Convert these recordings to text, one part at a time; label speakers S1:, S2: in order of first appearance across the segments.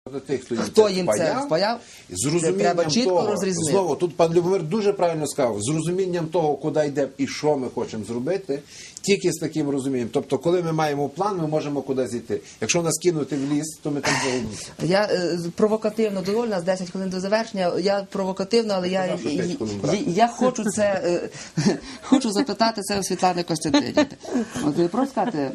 S1: Хто їм це впаяв,
S2: з
S1: треба чітко
S2: того,
S1: розрізнити.
S2: знову, тут пан Любомир дуже правильно сказав, з розумінням того, куди йде і що ми хочемо зробити, тільки з таким розумінням. Тобто, коли ми маємо план, ми можемо кудись йти. Якщо нас кинути в ліс, то ми там загубимося.
S1: Я провокативно доволі, нас 10 хвилин до завершення. Я провокативно, але я хочу це, хочу запитати це у Світлани Костянтинівни. От ви просто сказати,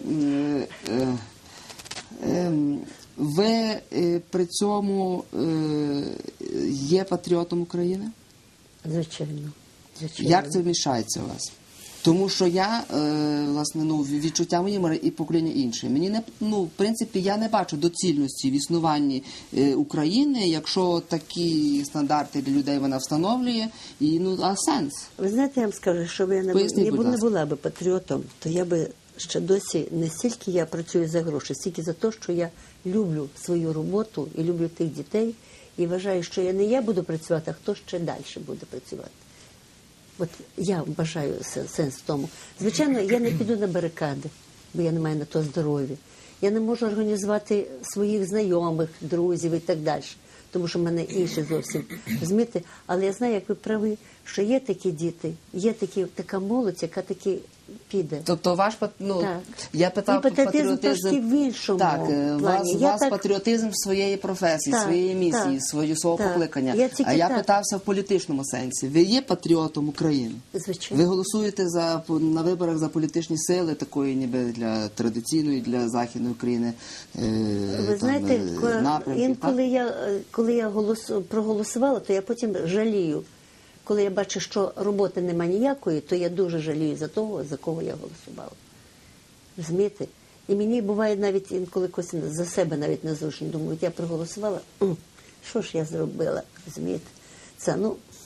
S1: ви при цьому є патріотом України?
S3: Звичайно.
S1: Як це вмішається у вас? Тому що я, власне, відчуття мої і покоління інші. Мені не, в принципі, я не бачу доцільності в існуванні України, якщо такі стандарти для людей вона встановлює, а сенс?
S3: Ви знаєте, я вам скажу, що я не була би патріотом, то я би ще досі не стільки я працюю за гроші, стільки за те, що я люблю свою роботу і люблю тих дітей, і вважаю, що я не я буду працювати, а хто ще далі буде працювати. От я вважаю сенс в тому. Звичайно, я не піду на барикади, бо я не маю на то здоров'я. Я не можу організувати своїх знайомих, друзів і так далі, тому що в мене інші зовсім, розумієте? Але я знаю, як ви праві, що є такі діти, є така молодь, яка таки піде.
S1: Тобто ваш, я питав
S3: патріотизм трошки в іншому плані.
S1: У вас патріотизм своєї професії, своєї місії, свого покликання. А я питався в політичному сенсі. Ви є патріотом України?
S3: Звичайно.
S1: Ви голосуєте на виборах за політичні сили, такої ніби для традиційної, для Західної України
S3: ви знаєте, коли я проголосувала, то я потім жалію. Коли я бачу, що роботи нема ніякої, то я дуже жалію за того, за кого я голосувала. Розумієте? І мені буває навіть інколи за себе навіть незручно. Думаю, я проголосувала, що ж я зробила? Розумієте? Це,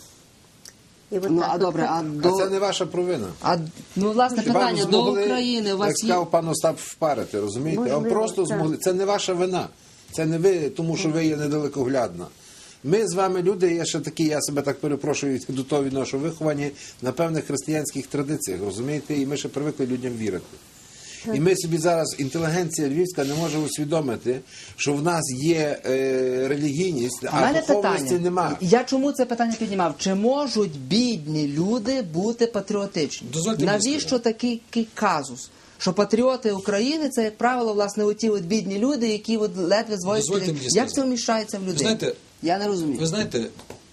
S2: А це не ваша провина.
S1: Власне, питання до України.
S2: Як сказав пан Остап, впарити, розумієте? Вам просто змогли. Це не ваша вина. Це не ви, тому що ви є недалекоглядна. Ми з вами люди, я себе так перепрошую, до того відношу, виховані на певних християнських традиціях, розумієте? І ми ще привикли людям вірити. І ми собі зараз, інтелігенція львівська, не може усвідомити, що в нас є релігійність, а духовності немає.
S1: Я чому це питання піднімав? Чи можуть бідні люди бути патріотичні? Навіщо такий казус? Що патріоти України – це, як правило, власне, оті бідні люди, які ледве зводять. Як це вміщається в людей? Я не розумію.
S4: Ви знаєте,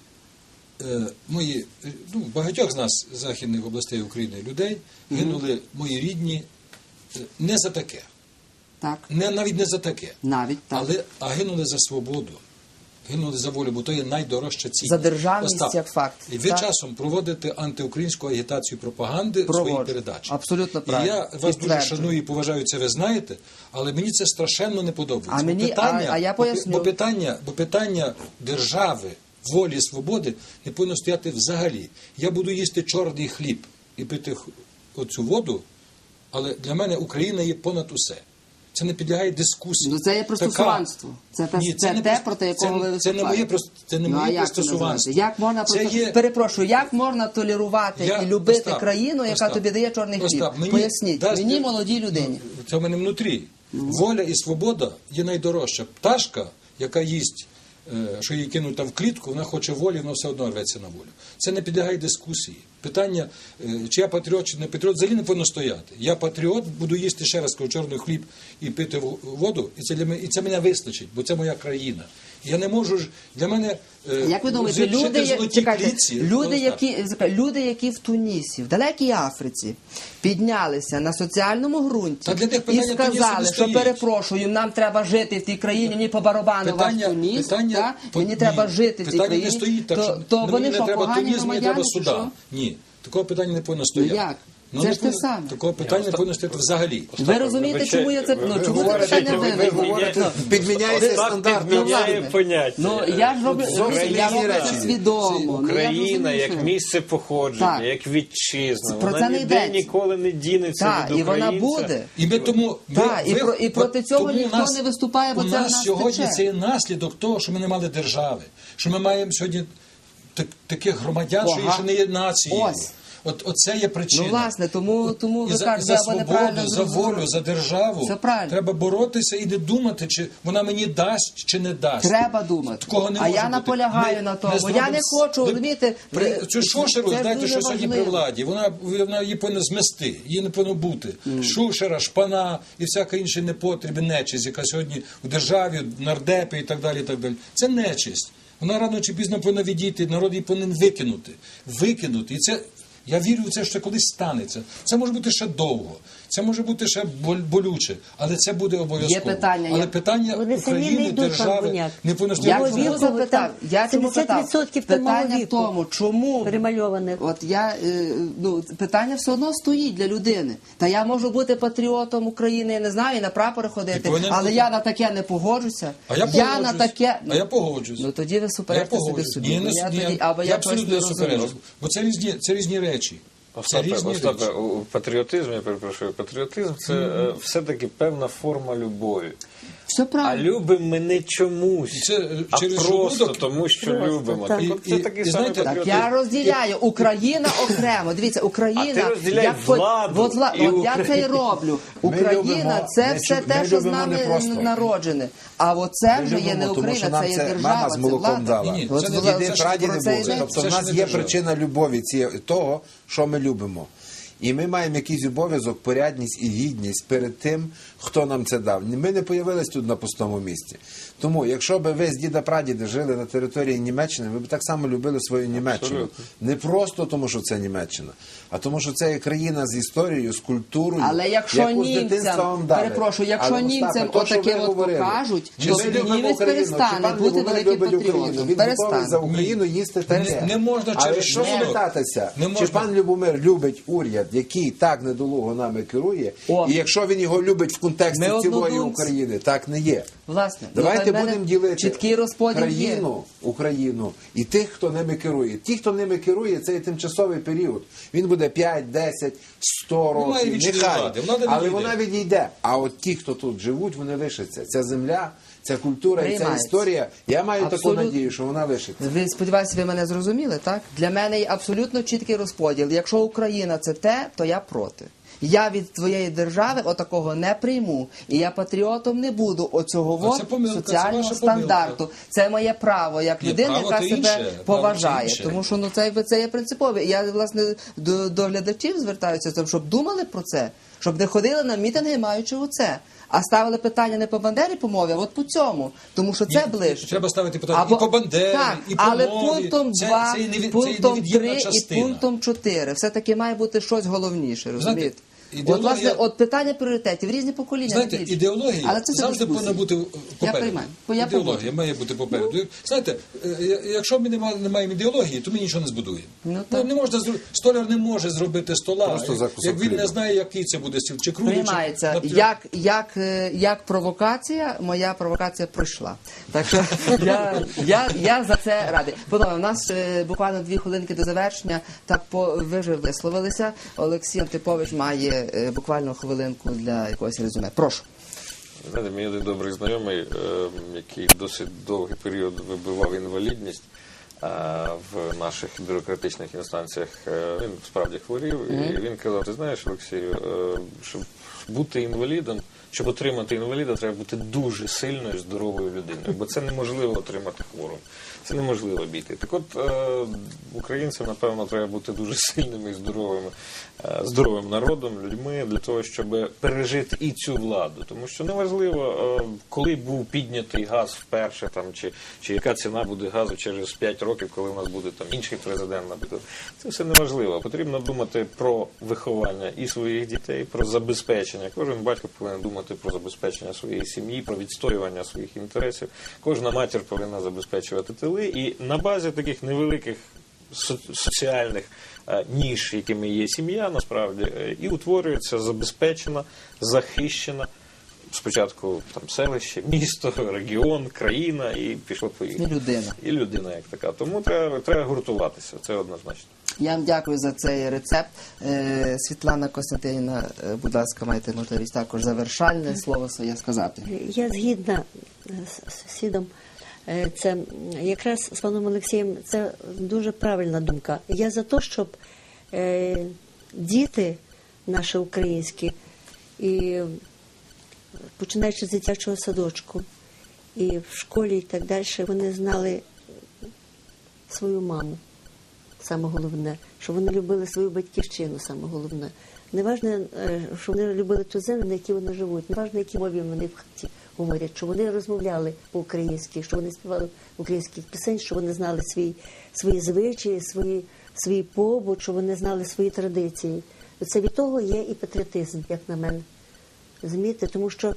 S4: багатьох з нас, з західних областей України, людей, гинули мої рідні не за таке.
S1: Так.
S4: Навіть не за таке.
S1: Навіть, так.
S4: А гинули за свободу. Гинули за волю, бо то є найдорожча цінність.
S1: За державність, як факт.
S4: І ви часом проводите антиукраїнську агітацію пропаганди в своїй передачі.
S1: Абсолютно правильно.
S4: І я вас дуже шаную і поважаю, це ви знаєте, але мені це страшенно не подобається.
S1: Я поясню.
S4: Бо питання держави, волі, свободи не повинно стояти взагалі. Я буду їсти чорний хліб і пити оцю воду, але для мене Україна є понад усе. Це не підлягає дискусії.
S1: Це є пристосуванство. Це те, проти якого ви виступаєте.
S4: Це не моє пристосуванство.
S1: Як можна толерувати і любити країну, яка тобі дає чорний хліб? Поясніть, мені, молодій людині.
S4: Це в мене внутрі. Воля і свобода є найдорожча. Пташка, яка їсть, що її кинуть в клітку, вона хоче волі, вона все одно рветься на волю. Це не підлягає дискусії. Питання, чи я патріот, чи не патріот, взагалі не повинно стояти. Я патріот, буду їсти ще раз чорний хліб і пити воду, і це мене вистачить, бо це моя країна. Я не можу ж, для мене
S1: як ви думаєте, люди, які в Тунісі, в далекій Африці піднялися на соціальному ґрунті і сказали, що перепрошую, нам треба жити в тій країні, мені по барабану ваш Туніс, мені треба жити в цій країні, то вони що, погані громадяни, чи що?
S4: Ні, такого питання не повинно стояти.
S1: Як? Це ж те саме.
S4: Такого питання не повинно стояти взагалі.
S1: Ви розумієте, чому я це... Чому це питання виникло?
S2: Підміняється стандарт.
S5: Підміняє поняття.
S1: Я ж роблю це свідомо.
S5: Україна як місце походження, як вітчизна.
S1: Вона
S5: ніде ніколи не дінеться від українця.
S1: І вона буде. І проти цього ніхто не виступає, бо це в нас тече.
S4: У нас сьогодні це є наслідок того, що ми не мали держави. Що ми маємо сьогодні таких громадян, що ще не є нацією. Оце є причина.
S1: Ну, власне, тому
S4: І
S1: ви
S4: за
S1: кажете, або
S4: свободу,
S1: неправильно
S4: за
S1: зрозуміли.
S4: волю, за державу
S1: Все правильно.
S4: треба боротися і не думати, чи вона мені дасть, чи не дасть.
S1: Треба думати.
S4: Такого не
S1: А
S4: може
S1: я
S4: бути.
S1: наполягаю
S4: Ми
S1: на тому.
S4: не
S1: Я не
S4: зробимо-
S1: хочу, розумієте,
S4: Цю Шушеру,
S1: це
S4: знаєте,
S1: дуже
S4: що сьогодні при
S1: важливо.
S4: владі, вона її повинна змести, її не повинно бути. Шушера, шпана і всяка інша непотріб, нечисть, яка сьогодні у державі, нардепи і так далі, і так далі. Це нечисть. Вона рано чи пізно повинна відійти, народ її повинен викинути. Викинути. І це, я вірю в це, що колись станеться. Це може бути ще довго, це може бути ще болюче, але це буде обов'язково.
S1: Є питання,
S4: але
S1: я-
S4: питання
S3: Вони самі не
S4: України,
S3: йдуть, пан
S4: держави
S3: Буняк.
S4: не повинно
S1: Я
S4: стояти.
S3: Його
S1: чому
S3: віку,
S1: запитав?
S3: там
S1: Я чому питав?
S3: 70% там мого
S1: Питання в
S3: віку
S1: тому, чому
S3: перемальованих.
S1: От я питання все одно стоїть для людини. Та я можу бути патріотом України, я не знаю, і на прапори ходити,
S4: повинен
S1: але
S4: бути.
S1: я на таке не погоджуся.
S4: А я
S1: на
S4: погоджусь.
S1: таке.
S4: А я погоджусь.
S1: Ну тоді ви суперечите собі собі.
S4: Ні,
S1: Бо я
S4: ні,
S1: тоді- або
S4: я
S1: я
S4: абсолютно
S1: щось
S4: не
S1: не
S4: суперечу.
S1: розумію.
S4: Бо це різні речі. Це різні
S5: Остапе,
S4: речі.
S5: у патріотизм, я перепрошую, патріотизм це все-таки певна форма любові.
S1: Все
S5: А
S1: правильно.
S5: любимо ми не чомусь,
S4: Це
S5: а
S4: через
S5: просто
S4: желудок.
S5: тому, що
S3: Просто,
S5: любимо.
S3: так.
S5: Так, от це
S4: І
S5: такий самий
S4: знаєте,
S1: Так
S5: патріотизм.
S1: я розділяю Україна окремо. Дивіться, Україна.
S5: А ти розділяй
S1: як
S5: владу
S1: от
S5: і
S1: от я це і
S5: Україну.
S1: роблю.
S2: Ми
S1: Україна
S2: любимо-
S1: це
S2: ми
S1: все
S2: чу-
S1: те,
S2: ми
S1: що з
S2: любимо
S1: нами
S2: не просто.
S1: народжене. А оце
S2: Ми
S1: вже є
S2: любимо,
S1: не
S2: тому що
S1: Україна,
S2: нам
S1: це є держава,
S2: мама з
S1: це
S2: молоком
S1: влада.
S2: дала.
S4: Ні,
S1: От
S4: це не
S1: влада-
S2: Діди,
S4: це
S2: прадіди
S1: про це
S2: були.
S1: йде.
S2: Тобто
S4: Це
S2: в
S4: ж
S2: нас
S4: не
S2: є
S4: держава.
S2: причина любові того, що ми любимо. І ми маємо якийсь обов'язок, порядність і гідність перед тим, хто нам це дав. Ми не появились тут на пустому місці. Тому, якщо б ви з діда-прадіди жили на території Німеччини, ви б так само любили свою Німеччину. Не просто тому, що це Німеччина, а тому, що це є країна з історією, з культурою,
S1: Але якщо
S2: яку з дитинства
S1: німцям,
S2: вам дали.
S1: перепрошую, якщо
S2: Але, Остапе,
S1: німцям
S2: то, що ви
S1: отаке от
S2: говорили,
S1: покажуть,
S2: чи
S1: то
S2: ми
S1: тоді
S2: любимо
S1: німець
S2: Україну, чи
S1: перестане
S2: пан
S1: бути
S2: Любомир
S1: великим
S2: любить Україну,
S1: патріотом.
S2: він готовий
S1: Перестане.
S2: за Україну їсти таке.
S4: Не можна
S2: Але
S4: через
S2: якщо
S4: шлунок.
S2: спитатися,
S4: Не
S2: чи
S4: можна.
S2: пан Любомир любить уряд, який так недолуго нами керує,
S1: О.
S2: і якщо він його любить в контексті
S1: Ми
S2: цілої
S1: однодумці.
S2: України, так не є.
S1: Власне,
S2: Давайте
S1: ну, в мене
S2: будемо ділити
S1: чіткий розподіл є.
S2: Україну і тих, хто ними керує. Ті, хто ними керує, це є тимчасовий період. Він буде 5, 10, 100
S4: Немає
S2: років,
S4: вічної
S2: нехай.
S4: влади, влада
S2: Але
S4: відійде.
S2: вона відійде. А от ті, хто тут живуть, вони лишаться. Ця земля, ця культура і ця
S1: Приймається.
S2: історія, я маю
S1: Абсолютно.
S2: таку надію, що вона лишиться.
S1: Ви сподіваюся, ви мене зрозуміли, так? Для мене є абсолютно чіткий розподіл. Якщо Україна це те, то я проти. Я від твоєї держави отакого не прийму. І я патріотом не буду оцього
S4: А це помилка, це
S1: соціального
S4: ваша помилка.
S1: стандарту. Це моє право як
S4: Ні,
S1: людини,
S4: право
S1: яка
S4: то
S1: себе
S4: інше, право
S1: поважає.
S4: це інше.
S1: Тому що це є принципове. І я, власне, до глядачів звертаюся, щоб думали про це, щоб не ходили на мітинги, маючи оце. А ставили питання не по Бандері по мові, а от по цьому. Тому що це
S4: Ні,
S1: ближче.
S4: треба ставити питання і по Бандері,
S1: так,
S4: і по
S1: але
S4: мові.
S1: пунктом
S4: Це
S1: 2,
S4: є це є
S1: пунктом
S4: невід'ємна
S1: 3 і
S4: частина.
S1: пунктом 4. Все-таки має бути щось головніше, розумієте?
S4: ідеологія-
S1: От, власне, от питання пріоритетів, різні покоління.
S4: Знаєте,
S1: різні.
S4: ідеологія
S1: Але це
S4: завжди
S1: дискусія.
S4: повинна бути попереду.
S1: приймаю. Я
S4: Ідеологія
S1: погоджуюсь.
S4: має бути попереду. Знаєте, якщо ми не маємо ідеології, то ми нічого не збудуємо.
S1: Ну, так.
S4: Не можна, столяр не може зробити стола,
S2: Просто за кусок
S4: як він
S2: хліба.
S4: не знає, який це буде стіл, чи круглий,
S1: Приймається.
S4: чи...
S1: Як провокація, моя провокація пройшла. Так що я за це радий. Панове, у нас буквально 2 хвилинки до завершення. Так ви вже висловилися. Олексій Антипович має буквально хвилинку для якогось резюме. Прошу.
S5: Знаєте, мій один добрий знайомий, який досить довгий період вибивав інвалідність в наших бюрократичних інстанціях, він справді хворів, і він казав: ти знаєш, Олексію, щоб бути інвалідом, щоб отримати інваліда, треба бути дуже сильною, здоровою людиною, бо це неможливо отримати хворим. Це неможливо обійти. Так от, українцям, напевно, треба бути дуже сильними і здоровим народом, людьми, для того, щоб пережити і цю владу. Тому що неважливо, коли був піднятий газ вперше, там, чи яка ціна буде газу через 5 років, коли у нас буде там інший президент, наприклад. Це все неважливо. Потрібно думати про виховання і своїх дітей, про забезпечення. Кожен батько повинен думати про забезпечення своєї сім'ї, про відстоювання своїх інтересів. Кожна матір повинна забезпечувати тили. І на базі таких невеликих соціальних ніж, якими є сім'я, насправді, і утворюється забезпечена, захищена, спочатку там селище, місто, регіон, країна, і пішло-поїхало.
S1: І людина.
S5: І людина як така. Тому треба гуртуватися, це однозначно.
S1: Я вам дякую за цей рецепт. Світлана Костянтинівна, будь ласка, маєте можливість також завершальне слово своє сказати.
S3: Я згідна з сусідом. Це якраз з паном Олексієм, це дуже правильна думка. Я за те, щоб діти наші українські, і починаючи з дитячого садочку, і в школі і так далі, вони знали свою маму, саме головне, що вони любили свою батьківщину, саме головне. Не важливо, що вони любили ту землю, на якій вони живуть, не важливо, які мові вони в хаті говорять, що вони розмовляли по-українськи, що вони співали українських пісень, що вони знали свої звичаї, свій побут, що вони знали свої традиції. Це від того є і патріотизм, як на мене. Розумієте? Тому що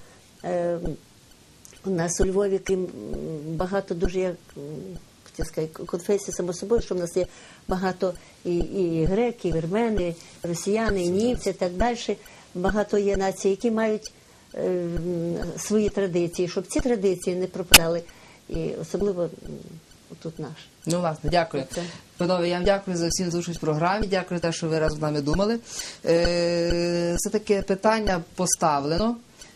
S3: у нас у Львові, крім багато дуже, як конфесій, само собою, що в нас є багато і греки, і вірмени, і росіяни, і німці, і так далі. Багато є націй, які мають свої традиції, щоб ці традиції не пропадали, і особливо тут наш.
S1: Ну, власне, дякую. Панове, я вам дякую за всі участь в програмі, дякую за те, що ви разом з нами думали. Все-таки питання поставлено.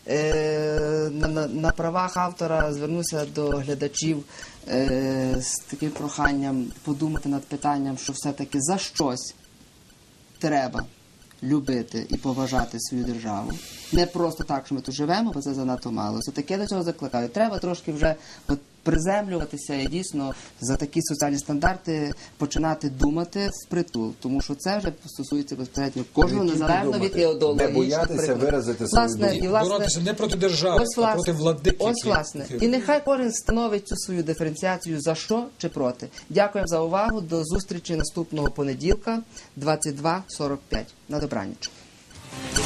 S1: На правах автора звернуся до глядачів з таким проханням подумати над питанням, що все-таки за щось треба любити і поважати свою державу. Не просто так, що ми тут живемо, бо це занадто мало. Все-таки я до цього закликаю. Треба трошки вже приземлюватися і дійсно за такі соціальні стандарти починати думати впритул. Тому що це вже стосується безпосередньо кожного, незалежно від ідеології.
S2: Не боятися виразити свою думку.
S4: Боротися не проти держави, а проти владиків.
S1: Ось, власне. І нехай кожен становить цю свою диференціацію за що чи проти. Дякуємо за увагу. До зустрічі наступного понеділка, 22:45. На добраніч.